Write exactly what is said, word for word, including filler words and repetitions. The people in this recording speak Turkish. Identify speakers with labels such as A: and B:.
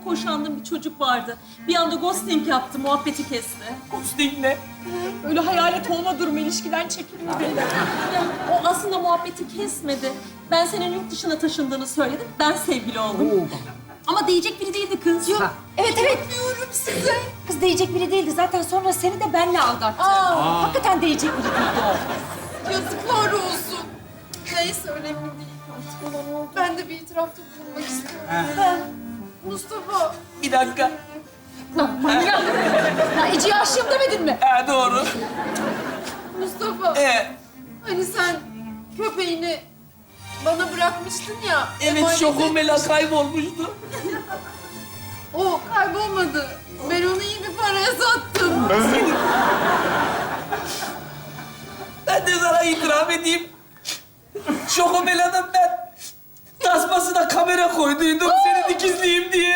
A: hoşlandığım bir çocuk vardı. Bir anda ghosting yaptı, muhabbeti kesti.
B: Ghosting ne?
C: Öyle hayalet olma durumu, ilişkiden çekilme.
A: Ya, o aslında muhabbeti kesmedi. Ben senin yurt dışına taşındığını söyledim, ben sevgili oldum. Ama diyecek biri değildi kız. Yok.
C: Evet, evet. Diyorum size. Kız değecek biri değildi. Zaten sonra seni de benle aldattı. Aa. Hakikaten değecek biri değildi o.
D: Yazıklar olsun. Neyse önemli değil. Ben de bir itirafta bulunmak istiyorum. Mustafa,
B: Bir dakika.
C: Lan manyak. Ya Ece'ye aşığım demedin mi?
B: Ha, doğru.
D: Mustafa.
B: Ee,
D: Hani sen köpeğini bana bırakmıştın ya.
B: evet,
D: emanet
B: Şokomela
D: etmiştin.
B: kaybolmuştu.
D: O kaybolmadı. Ben onu iyi bir paraya sattım.
B: Ben de sana itiraf edeyim. Şokomela'nın ben tasmasına kamera koyduydum seni dikizleyeyim diye.